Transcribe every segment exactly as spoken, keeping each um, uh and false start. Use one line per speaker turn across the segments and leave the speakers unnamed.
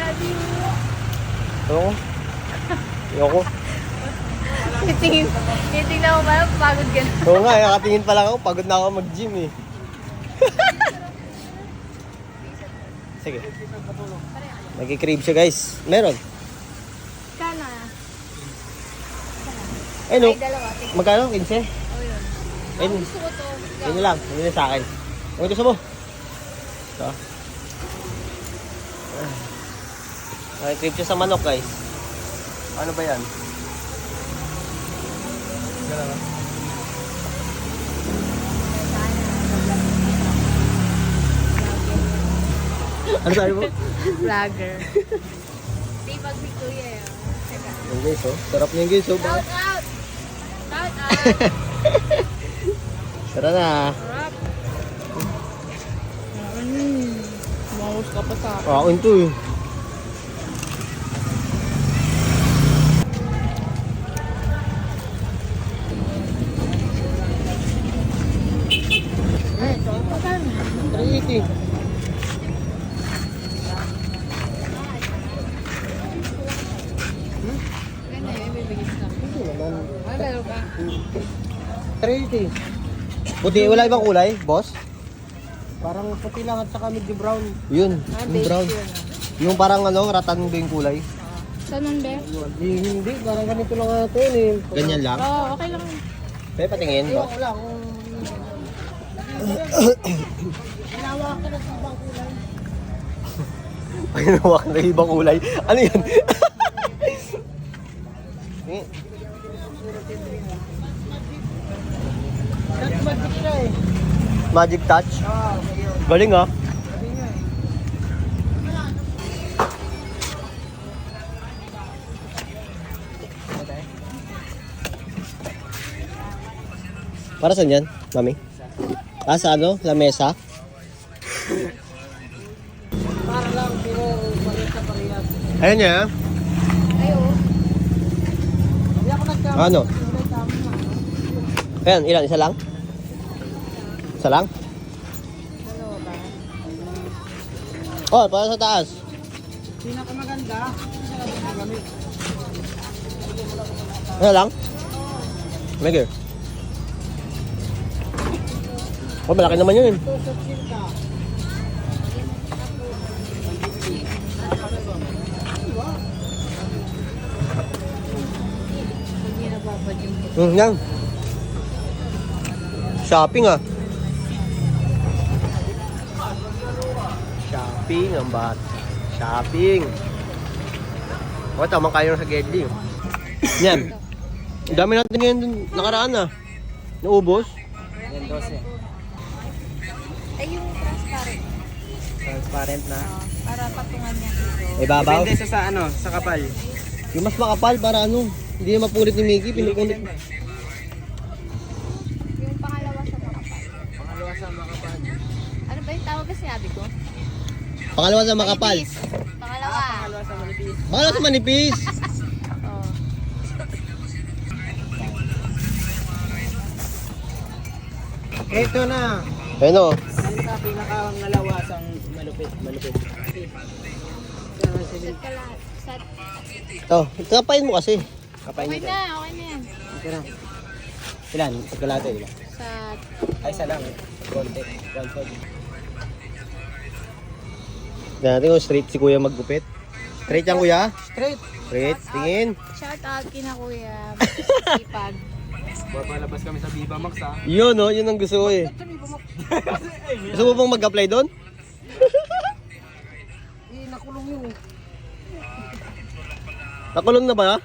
Ayoko. Ayoko.
Titingin, titingnan mo ba? Pagod ka na.
Oo nga, eh, nakatingin pa lang ako. Pagod na ako mag-gym eh. Sige. Nag-crave siya guys. Meron.
Kana.
Ay no.
Ay, dalawa. Tingin.
Magkano? quince?
Oh, yun.
Ayun.
Gusto ko to.
Yun lang. Yun lang sa akin. Ano gusto mo? Ito. Nag-crave siya sa manok guys. Ano ba yan? Ano sabi mo?
Vlogger. Tibag ni Kuya yun. Teka.
Yung guys oh. Sarap niya guys oh.
Shout out! Shout out!
Tara na.
Sarap! Mm. Maus ka pa sa akin.
Ako ito eh. three eighty.
Ganda yun, bibigyan sa akin.
Ito naman.
Ay, meron ka.
three eighty. Puti, wala ibang kulay, boss? Parang puti lang at saka medyo brown. Yun,
Ah,
yung
beige
brown.
yun.
Yung parang ano, ratan ba yung kulay?
Saan nun, Be?
Hindi, hindi. Parang ganito lang ito yun eh. Ganyan lang?
Oo, oh, okay lang.
Pwede patingin ba?
Wala kung...
Ay, nawak na ibang kulay. Ano yun? Eh,
That's magic siya eh.
Magic touch?
Oo, yun.
Galing ah.
Sabi nga eh.
Para saan yan, mami? Ah, sa ano? Sa mesa?
Para lang, pero palit sa parehas.
Ayan niya.
Ay, oo.
Hindi ako nagkamali.
Ano?
Hindi nagkamali.
Ayan, ilan? Isa lang? Isa lang?
Dalawa ba?
Oh, para sa taas.
Pinakamaganda, siya lang yung gamit.
Ano lang? Mega. Oh, malaki naman yun eh.
Ito sa silka.
Hindi nababad yung
Hmm, yan. Shopping ah. Shopping ang bat. Shopping. O, tamang kayo sa Gedli. Yan. Ang dami natin ngayon dun nakaraan ah. Naubos.
Yan, dose.
Ay, yung transparent.
Transparent na.
Oo, para patungan niya dito.
Ibabaw.
Depende sa, sa ano, sa kapal.
Yung mas makapal para ano. Hindi na mapulit ni Mickey. Pinupunit.
Yung pangalawa sa makapal.
Pangalawa sa makapal.
Ano ba yung tawag kasi sabi ko?
Pangalawa sa makapal.
Manipis. Pangalawa.
Pangalawa sa manipis.
Pangalawa sa manipis.
Oo.
Ito na.
Ayun o.
Yan sa pinakangalawasang malupit. Malupit. Yan, sige.
Set ka lahat. Set.
Ito. Kapain mo kasi. Kapain
Okay
mo.
na, okay na yan.
Ito na.
Ilan? Pagkalate, di ba?
Sa...
Ay, isa lang. Konti. Konti.
Tignan natin kung straight si kuya maggupit. Straight yan kuya?
Straight.
Straight. Tingin.
Shout out kina kuya. Sipag.
Papalabas kami sa Viva Max ha.
Yun o. Yun ang gusto ko eh. Gusto mo bang mag-apply doon?
Eh, nakulong yun eh.
Nakulong na ba?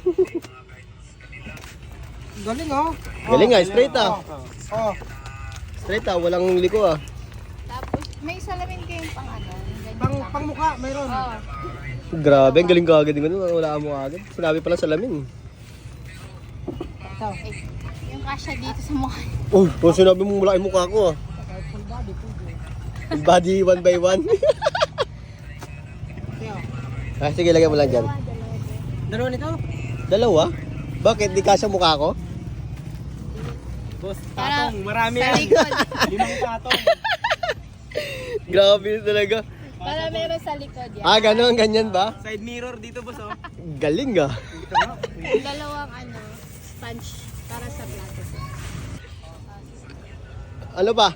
Galing oh.
Galing ah. Straight ah.
Oh.
Straight ah. Walang liko ah.
Tapos, may salamin kayong pang ano. ganyan
Pang,
lang.
pang mukha, mayroon.
Oo.
Grabe. Ang galing ka agad. Wala mo agad. Sinabi pala salamin.
Ito.
Eh, yung kasya dito sa mukha.
Oh, kung sinabi mo malaki mukha ko ah.
Full body, full body.
Full body one by one.
Ito.
ah, sige, lagay mo lang dyan.
Dalawa, dalawa, dalawa.
Dalawa nito?
Dalawa? Bakit? Di kasya mukha ko?
Boss,
Para
tatong. Marami
sa
yan.
likod.
Limang tatong.
Grabe talaga.
Para meron sa likod yan.
Ah, ganun, ganyan ba?
Side mirror dito, boss, oh.
Galing ah.
Dalawang ano, sponge para sa plato.
Ano pa?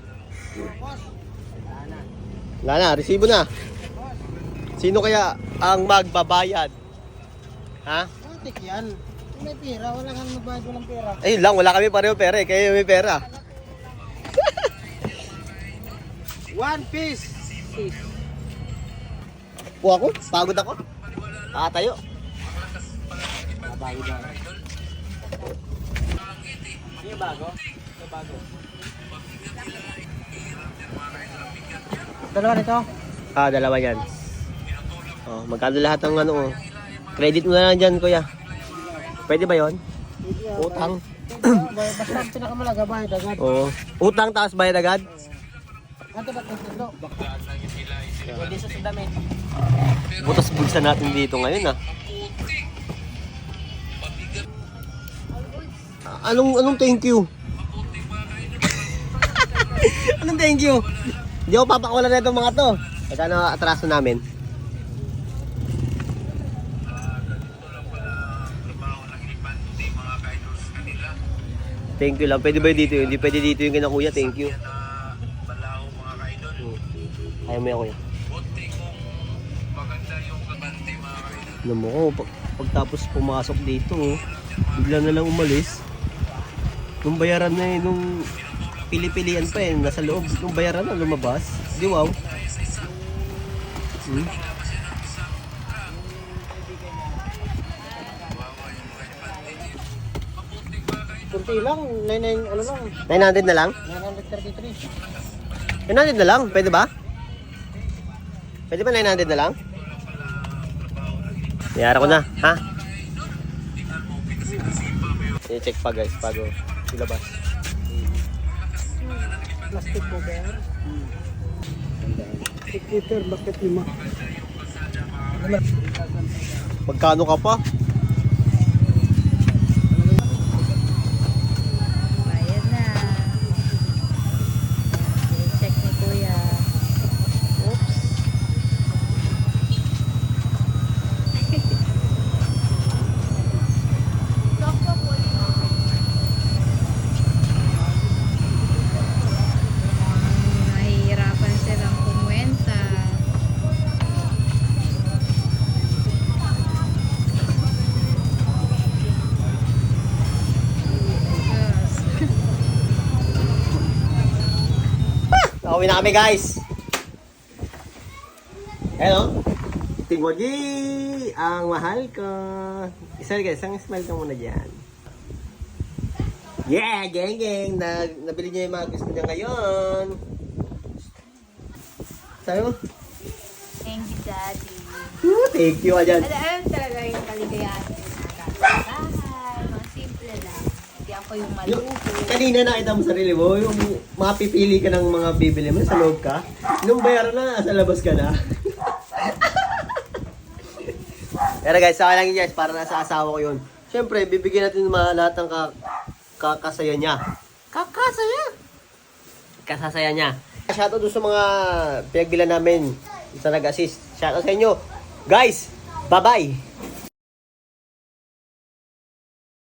Wala na, resibo na. Sino kaya ang magbabayad? Ha?
Matik yan. Kung may pera, wala kang magbayad, walang pera.
Ayun lang, wala kami pareho pera eh. Kayo may pera.
One piece.
Po ako? Pagod ako? Nakatayo.
Bago ba? Hindi yung bago? Ito bago. Dalawa nito?
Ah, dalawa yan. Oh, magkano lahat ng ano oh. Credit mo na lang dyan, kuya. Pwede ba yon? Utang.
Basta ang pinakamalaga, bayad agad.
Oo. Utang taas bayad agad?
Ano ba ito? Ito. Pwede sa damit.
Butas bulsa natin dito ngayon ah. Anong anong thank you? Anong thank you? Hindi ako papakawalan na itong mga to. Magkano atraso namin? Thank you lang. Pwede ba dito yun? Hindi pwede dito yung kinakuya. Thank you. Hmm. Ayaw mo yan, kuya. Alam mo ko, pag, pagtapos pumasok dito, oh, bigla na lang umalis. Nung bayaran na eh, nung pili-pilian pa eh, nasa loob. Nung bayaran na, lumabas. Di wow. Hmm?
Kunti lang, nine nine ano lang,
nine hundred na lang?
nine thirty-three.
nine hundred na lang? Pwede ba? Pwede ba nine hundred na lang? Niyara ko na, ha? I-check pa guys, bago ilabas.
Plastic cover. eight liter, bakit lima?
Magkano ka pa?
Bayad na. I-check ni Kuya. Oops. Nahihirapan silang kumwenta.
Nakauwi na kami guys. Hello. Tingwaji, ang mahal ko. Isa guys, isang smile ka muna dyan. Yeah, geng geng. Na, nabili niya yung mga gusto niya ngayon. Sabi mo?
Thank you, Daddy.
Woo, thank you ka dyan.
Ano, alam talaga yung kaligayahan ko sa bahay. Mga simple lang. Hindi ako yung
Yung,
maluho.
kanina nakita mo sarili mo, yung mapipili ka ng mga bibili mo, sa loob ka. Nung bayaran na, sa labas ka na. Pero guys, sa akin lang yun guys, para nasa asawa ko yun. Siyempre, bibigyan natin ng mga lahat ng ka kakasaya niya. Kakasaya? Kasasaya niya. Shoutout doon sa mga pinagbilan namin sa nag-assist. Shoutout sa inyo. Guys, bye-bye!